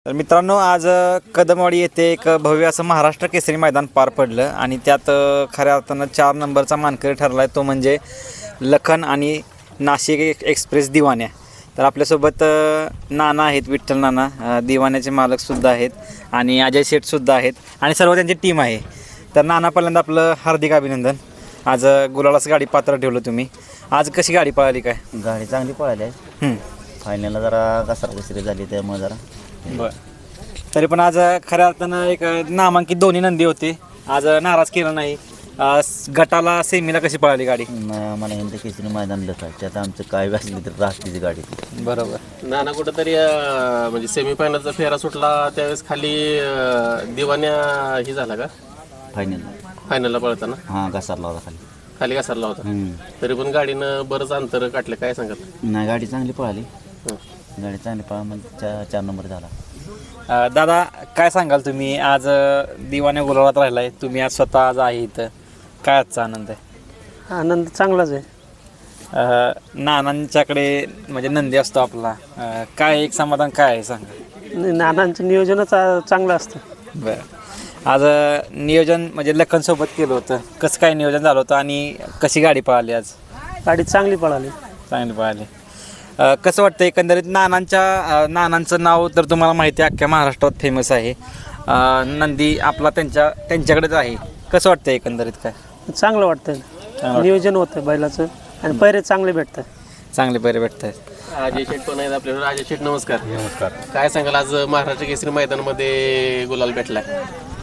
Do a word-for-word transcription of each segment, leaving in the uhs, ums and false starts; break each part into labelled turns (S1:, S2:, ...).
S1: तर मित्रांनो, आज कदमवाडी येथे एक भव्य असं महाराष्ट्र केसरी मैदान पार पडलं आणि त्यात खऱ्या अर्थानं चार नंबरचा मानकरी ठरला आहे, तो म्हणजे लखन आणि नाशिक एक्सप्रेस दिवान्या. तर आपल्यासोबत नाना आहेत, विठ्ठल नाना दिवाण्याचे मालकसुद्धा आहेत आणि अजय शेठसुद्धा आहेत आणि सर्व त्यांची टीम आहे. तर नाना, पहिल्यांदा आपलं हार्दिक अभिनंदन. आज गुलालाच गाडी पात्र ठेवलं तुम्ही. आज कशी गाडी पळाली? काय
S2: गाडी चांगली पळाली आहे. फायनलला जरा घसरा घसरी झाली, त्यामुळे जरा
S1: बरं. तरी पण आज खऱ्या अर्थानं एक नामांकित दोन्ही नंदी होते, आज नाराज केलं नाही. गटाला सेमीला कशी पळाली गाडी?
S2: मला हिंद केसरी मैदान लस आहे, त्यात आमचं काय असली तर राहतीची गाडी.
S1: बरोबर.
S3: नाना कुठंतरी म्हणजे सेमीफायनलचा फेरा सुटला त्यावेळेस खाली दिवाण्या ही झाला का
S2: फायनलला?
S3: फायनलला पळताना
S2: हां, घसरला होता खाली.
S3: खाली घसरला होता. तरी पण गाडीनं बरंच अंतर काढलं, काय सांगत?
S2: नाही, गाडी चांगली पळाली. गाडी चांगली पळा म्हणजे चार चार नंबर झाला.
S1: दादा, काय सांगाल तुम्ही? आज दिवाण्या गुलाबात राहिलाय तुम्ही, आज स्वतः आज आहे इथं, काय आजचा आनंद आहे?
S4: आनंद चांगलाच आहे.
S1: नानांच्याकडे म्हणजे नंदी असतो आपला, काय एक समाधान काय आहे सांगा?
S4: नानांचं नियोजनच चांगलं असतं.
S1: बरं. आज नियोजन म्हणजे लखनसोबत केलं होतं, कसं काय नियोजन झालं होतं आणि कशी गाडी पळाली? आज
S4: गाडी चांगली पळाली.
S1: चांगली पळाली. कसं वाटतं एकंदरीत? नानांच्या नानांचं नाव तर तुम्हाला माहिती आहे, अख्ख्या महाराष्ट्रात फेमस आहे. नंदी आपला त्यांच्या त्यांच्याकडेच आहे. कसं वाटतं एकंदरीत? काय
S4: चांगलं वाटतं, नियोजन होतं बैलाचं आणि पैरे चांगले भेटतात.
S1: चांगले पैरे भेटत आहेत.
S3: अजय शेठ पण आहेत आपल्याला. अजय शेठ, नमस्कार. नमस्कार. काय सांगाल, आज महाराष्ट्र केसरी मैदानामध्ये गुलाल भेटलाय,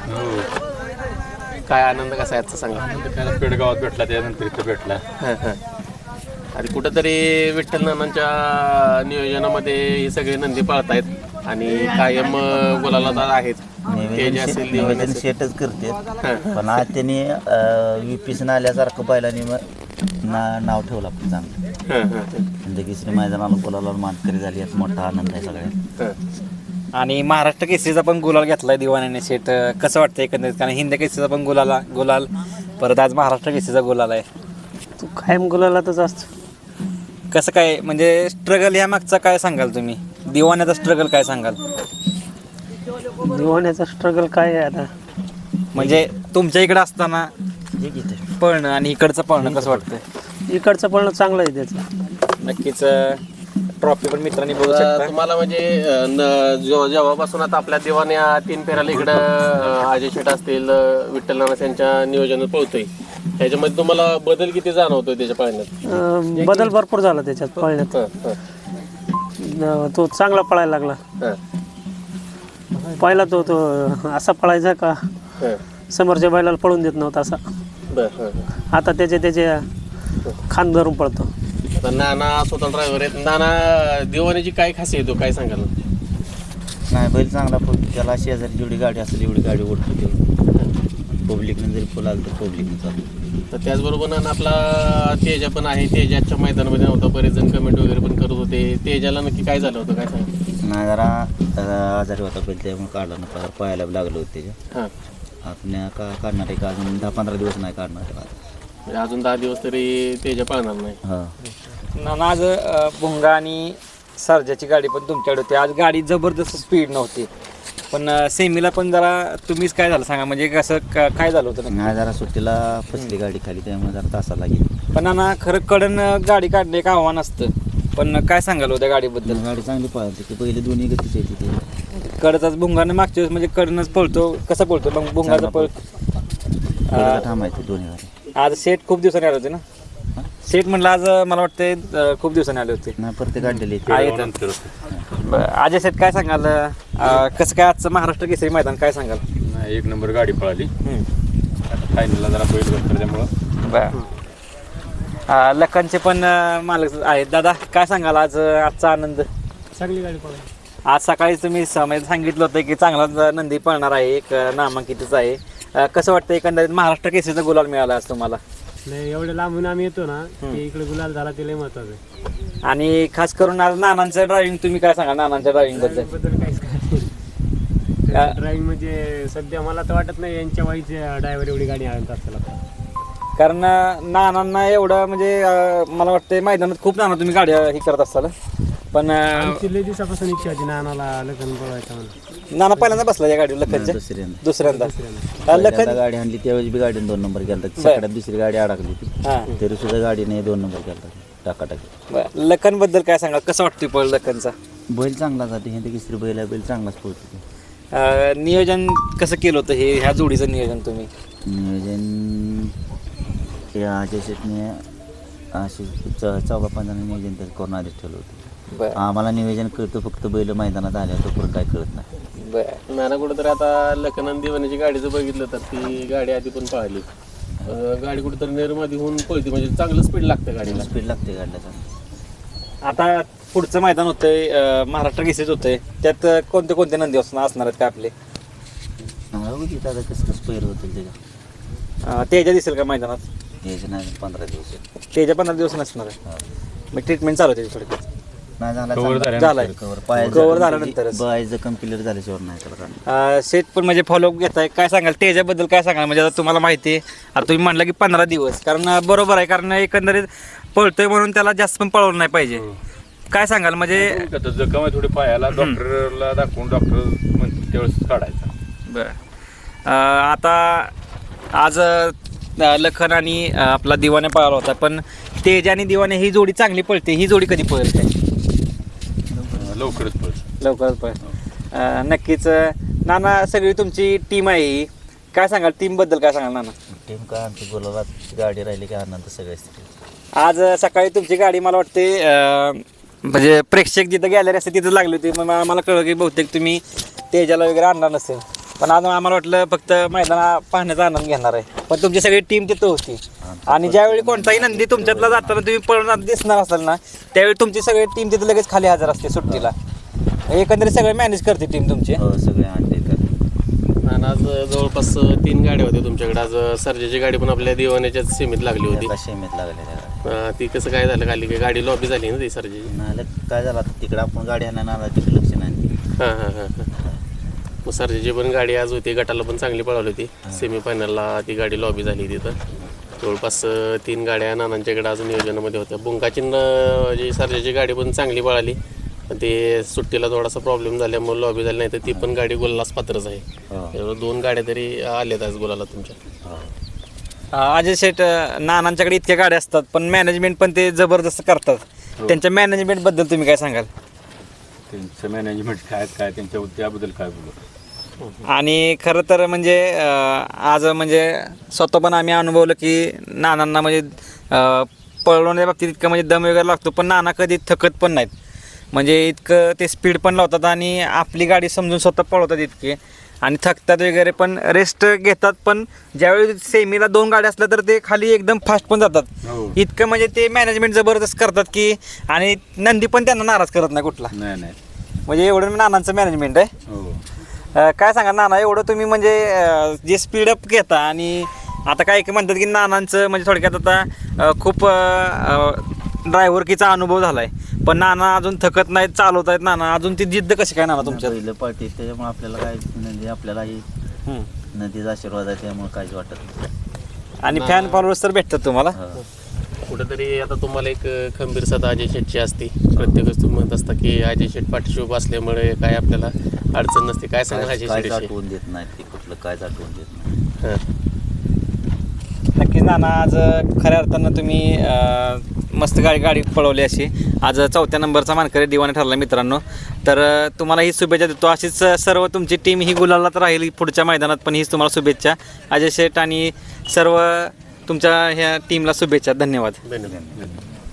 S3: काय आनंद कसा आहे आजचा सांगा?
S5: पेडगावात भेटला, त्यानंतर इथं भेटला.
S3: आणि कुठंतरी विठ्ठल नानांच्या नियोजनामध्ये हे सगळे नंदी पळतायत आणि कायम गुलाला आहेत.
S2: नियोजन शेटच करते, पण आज त्यांनी विपीसन आल्यासारखं बैलांनी ना नाव ठेवलं आपलं चांगलं. हिंद केसरी मैदानाला गुलाला मानकरी झाली, यात मोठा आनंद आहे सगळ्यात.
S1: आणि महाराष्ट्र केसरीचा पण गुलाल घेतलाय दिवाण्याने. शेट, कसं वाटतं एकंदरीत? कारण हिंद केसरीचा पण गुलाला गुलाल, परत आज महाराष्ट्र केसरीचा गुलाल आहे.
S4: तू कायम गुलालातच असतो.
S1: कसं काय म्हणजे स्ट्रगल ह्या मागचा काय सांगाल तुम्ही? दिवाण्याचा स्ट्रगल काय सांगाल?
S4: दिवाण्याचा स्ट्रगल काय आहे आता?
S1: म्हणजे तुमच्या इकडे असताना पळणं आणि इकडचं पळणं कसं वाटतं?
S4: इकडचं पळणं चांगलं आहे त्याचं.
S1: नक्कीच. ट्रॉफी पण मित्रांनी बघू शकता.
S3: तुम्हाला म्हणजे जेव्हापासून आता आपल्या दिवाण्या तीन फेऱ्याला इकडं अजय शेठ असतील, विठ्ठल नाना यांच्या नियोजनात पळतोय, ह्याच्यामध्ये तुम्हाला बदल किती जाणवतोय त्याच्या पाळण्यात?
S4: बदल भरपूर झाला त्याच्यात पळण्यात. तो चांगला पळायला लागला. पहिला तो तो असा पळायचा का समोरच्या बैलाला पळून देत नव्हता असा. आता त्याचे त्याचे खान धरून पळतो.
S3: नाना स्वतः ड्रायव्हर आहेत. नाना, दिवाण्याची काय खासियत आहे, काय सांगाल?
S2: नाही, बैल चांगला पळतो. त्याला शेजारी जेवढी गाडी असेल एवढी गाडी ओढतो. पब्लिकने जरी फुल आलं तर पब्लिकने चालतो.
S3: तर त्याचबरोबर नाना आपला तेजा पण आहे. तेजाच्या मैदानामध्ये नव्हता, बरेच जण कमेंट वगैरे पण करत होते. तेजाला नक्की काय झालं होतं, काय सांगा?
S2: नाही, जरा आजारी होता बैल, त्यामुळे काढला ना, पळायला लागलं होतं त्याच्या. आपण का काढणार आहे का अजून दहा पंधरा दिवस नाही काढणार आहे,
S3: अजून दहा दिवस तरी तेजा पळणार नाही.
S2: हां.
S1: नाना, आज भुंगा आणि सर्जाची गाडी पण तुमच्याकडे होती. आज गाडी जबरदस्त स्पीड नव्हती, पण सेमीला पण जरा तुम्हीच काय झालं सांगा? म्हणजे कसं काय झालं होतं?
S2: नाही, जरा सुट्टीला फसली गाडी खाली, त्यामुळे जरा तासा लागेल.
S1: पण नाना, खरं कडन गाडी काढणे एक आव्हान असतं, पण काय सांगाल होत्या गाडीबद्दल?
S2: गाडी चांगली पळाली की पहिले दोन्ही गतीचे येते ते.
S1: कडचाच भुंगाने मागच्या वेळेस म्हणजे कडनच पळतो, कसं पळतो मग भुंगाचा पळ
S2: थांबायचं दोन्ही गाडी.
S1: आज सेट खूप दिवसांनी आले होते ना? सेट म्हटलं आज मला वाटतं खूप दिवसांनी आले होते.
S2: नाही, प्रत्येक गाडीला
S1: अजय सेट, काय सांगाल? कसं काय आजचं महाराष्ट्र केसरी मैदान काय सांगाल?
S5: एक नंबर गाडी पळाली. फायनलला जरा बैल बसतो त्यामुळं.
S1: बरं. लखनचे पण मालक आहेत. दादा, काय सांगाल आज आजचा आनंद?
S4: चांगली गाडी पळाली.
S1: आज सकाळी तुम्ही सांगितलं होतं की चांगला नंदी पळणार आहे, एक नामांकितच आहे. कसं वाटतं एकंदरीत महाराष्ट्र केसरीचा गुलाल मिळाला आज तुम्हाला?
S4: नाही, एवढ्या लांबून आम्ही येतो ना, इकडे गुलाल झाला ते लय महत्वाचं आहे.
S1: आणि खास करून आज नानांचं ड्रायव्हिंग, तुम्ही काय सांगा नानांच्या ड्रायव्हिंग बद्दल?
S4: ड्रायव्हिंग म्हणजे सध्या मला तर वाटत नाही यांच्या वाईचे ड्रायव्हर एवढी गाडी आणत असताना.
S1: कारण नानांना एवढं म्हणजे मला वाटतं मैदानात खूप नाना तुम्ही गाड्या हे करत असाल. पण अं,
S6: आमची लय दिवसापासून इच्छा होती नानाला लग्न बोलायचं म्हणून.
S1: नाना पहिल्यांदा बसला या गाडीवर लखनच्या
S2: दुसऱ्यांदा
S1: दुसऱ्यांदा अं,
S2: पहिल्यांदा
S1: लखन
S2: गाडी आणली त्यावेळेस बी गाडीने दोन नंबर केला सकाळी दुसरी गाडी अडकली ती
S1: हां
S2: तरी सुद्धा गाडीने दोन नंबर केला टाकाटाकी.
S1: बरं. लखनबद्दल काय सांगा कसं वाटतोय पळ लखनचा
S2: बैल चांगला जाते हे तिसरी बैल आहे बैल चांगलाच पोहोचतो.
S1: अं, नियोजन कसं केलं होतं हे ह्या जोडीचं नियोजन तुम्ही
S2: नियोजन या अजय शेटने असे च चौघा पंधरा नियोजन त्याचं करून आधीच ठेवलं होतं.
S1: बरं
S2: आम्हाला नियोजन कळतं फक्त बैल मैदानात आल्या तो पण काय कळत नाही.
S1: बरं
S3: नाना कुठेतरी आता लखनन दिवाणीची गाडी जर बघितलं तर ती गाडी आधी पण पाहिली गाडी कुठेतरी निर्मादी होऊन पळते म्हणजे चांगलं स्पीड लागतं गाडीला.
S2: स्पीड लागते गाडीला.
S1: आता पुढचं मैदान होतंय अं, महाराष्ट्र केसरीच होतंय त्यात कोणते कोणते नंदी असणार असणार आहेत का आपले
S2: बघू तिथं आता कसं कसं पैर होतील त्याच्या
S1: अं, तेजा दिसेल का मैदानात
S2: यायचं नाही पंधरा दिवस
S1: तेजा पंधरा दिवस नसणार आहे मग ट्रीटमेंट चालू होते थोडक्यात
S2: नाही झाला
S5: Cover
S2: चांगला.
S5: झाल्यानंतर.
S1: झालाय
S2: कवर पाय
S1: कवर झाल्यानंतरच
S2: बाय जखम क्लिअर झाल्याशिवाय नाही त्याला काढणार.
S1: अं, सेट पण म्हणजे फॉलोअप घेताय काय सांगाल तेजाबद्दल काय सांगाल म्हणजे आता तुम्हाला माहिती आहे आता तुम्ही म्हणलं की पंधरा दिवस कारण अं, बरोबर आहे कारण एकंदरीत पळतोय म्हणून त्याला जास्त पण पळवलं नाही पाहिजे काय सांगाल म्हणजे
S5: आता जखम आहे थोडी पायाला डॉक्टरला दाखवून डॉक्टर म्हणतो त्यावेळेस काढायचा.
S1: बरं अं, आता आज अं, लखन आणि अं, आपला दिवाने पळाला होता पण तेज आणि दिवाने ही जोडी चांगली पळते ही जोडी कधी पळेल काय
S5: लवकरच पळत.
S1: लवकरच पळ अं, नक्कीच अं, नाना सगळी तुमची टीम आहे ही काय सांगाल टीमबद्दल काय सांगाल नाना
S2: टीम काय आमची बोलायला गाडी राहिली की आनंद सगळ्याच.
S1: आज अं, सकाळी तुमची गाडी मला वाटते अं, म्हणजे प्रेक्षक जिथं गॅलरी असते तिथं लागली होती मग आम्हाला कळलं की बहुतेक तुम्ही तेजाला वगैरे आणणार नसेल पण आज आम्हाला वाटलं फक्त मैदाना पाहण्याचा आनंद घेणार आहे पण तुमची सगळी टीम तिथं होती आणि ज्यावेळी कोणताही नंदी तुमच्यातला जाताना तुम्ही पळून दिसणार असाल ना त्यावेळी तुमची सगळी टीम तिथं लगेच खाली हजर असते सुट्टीला एकंदरीत सगळे मॅनेज करते टीम तुमची
S2: हो सगळे आणले तर
S3: आणि आज जवळपास तीन गाड्या होत्या तुमच्याकडे आज सर्जाची गाडी पण आपल्या दिवाण्याच्याच सीमित लागली होती
S2: एका शेमीत लागलेल्या गाडी.
S3: अं, ती कसं काय झालं खाली की गाडी लॉबी झाली ना ती सर्जाची.
S2: नाही काय झालं आता तिकडे आपण गाडी आणायला आला तिकडे लक्ष नाही.
S3: हां हां हां हां मग सर्जाची पण गाडी आज होती गटाला पण चांगली पळवली होती सेमीफायनलला ती गाडी लॉबी झाली तिथं जवळपास अं, तीन गाड्या नानांच्याकडे अजून नियोजनामध्ये होत्या बुंकाची न- जी सर्जाची गाडी पण चांगली पळाली पण ते सुट्टीला थोडासा प्रॉब्लेम झाल्यामुळे लॉबी झाली नाही तर ती पण गाडी गोलास पात्रच आहे.
S2: हो.
S3: त्यामुळे दोन गाड्या तरी आल्यात आज गोलाला तुमच्या.
S2: हो.
S1: अं, अजय शेठ अं, नानांच्याकडे इतक्या गाड्या असतात पण मॅनेजमेंट पण ते जबरदस्त करतात त्यांच्या मॅनेजमेंटबद्दल तुम्ही काय सांगाल
S5: त्यांचं मॅनेजमेंट काय काय त्यांच्या त्याबद्दल काय बोलू.
S1: आणि खरं तर म्हणजे अं, आज म्हणजे स्वतः पण आम्ही अनुभवलं की नानांना म्हणजे अं, पळवण्याच्या बाबतीत इतकं म्हणजे दम वगैरे लागतो पण नाना कधी थकत पण नाहीत म्हणजे इतकं ते स्पीड पण लावतात आणि आपली गाडी समजून स्वतः पळवतात इतके आणि थकतात वगैरे पण रेस्ट घेतात पण ज्यावेळी सेमीला दोन गाड्या असल्या तर ते खाली एकदम फास्ट पण जातात
S5: हो.
S1: इतकं म्हणजे ते मॅनेजमेंट जबरदस्त करतात की आणि नंदी पण त्यांना नाराज करत नाही कुठला
S5: नाही नाही
S1: म्हणजे एवढं नानांचं मॅनेजमेंट आहे
S5: हो
S1: अं, काय सांगा नाना एवढं तुम्ही म्हणजे अं, जे स्पीडअप घेता आणि आता काय काय म्हणतात की नानांचं म्हणजे थोडक्यात आता अं, खूप ड्रायव्हरकीचा अनुभव झाला आहे पण नाना अजून थकत नाहीत चालवत आहेत नाना अजून ती जिद्द कशी काय नाना तुमच्या
S2: पहिलं पार्टी त्याच्यामुळे आपल्याला काय म्हणजे आपल्यालाही
S1: हम्म.
S2: नदीचा आशीर्वाद आहे त्यामुळे काहीच वाटत नाही.
S1: आणि फॅन फॉलोअर्स तर भेटतात तुम्हाला
S2: हो.
S3: कुठेतरी आता तुम्हाला एक खंबीर सदा अजय शेटची असते प्रत्येकच तुम्ही म्हणत असता की अजय शेट पाठीशी उभा असल्यामुळे काय आपल्याला अडचण नसते काय सांगा
S2: काय
S3: अजय
S2: काहीच
S3: शेटविषयी.
S2: आठवून देत नाही ते कुठलं काहीच आठवून देत नाही.
S3: हां.
S1: नक्कीच नाना आज खऱ्या अर्थानं तुम्ही अं, मस्त गाडी गाडी पळवली अशी आज चौथ्या नंबरचा मानकरी दिवाने ठरला मित्रांनो तर अं, तुम्हाला ही शुभेच्छा देतो अशीच सर्व तुमची टीम ही गुलालात राहील पुढच्या मैदानात पण हीच तुम्हाला शुभेच्छा अजय शेठ आणि सर्व तुमच्या ह्या टीमला शुभेच्छा धन्यवाद
S3: धन्यवाद.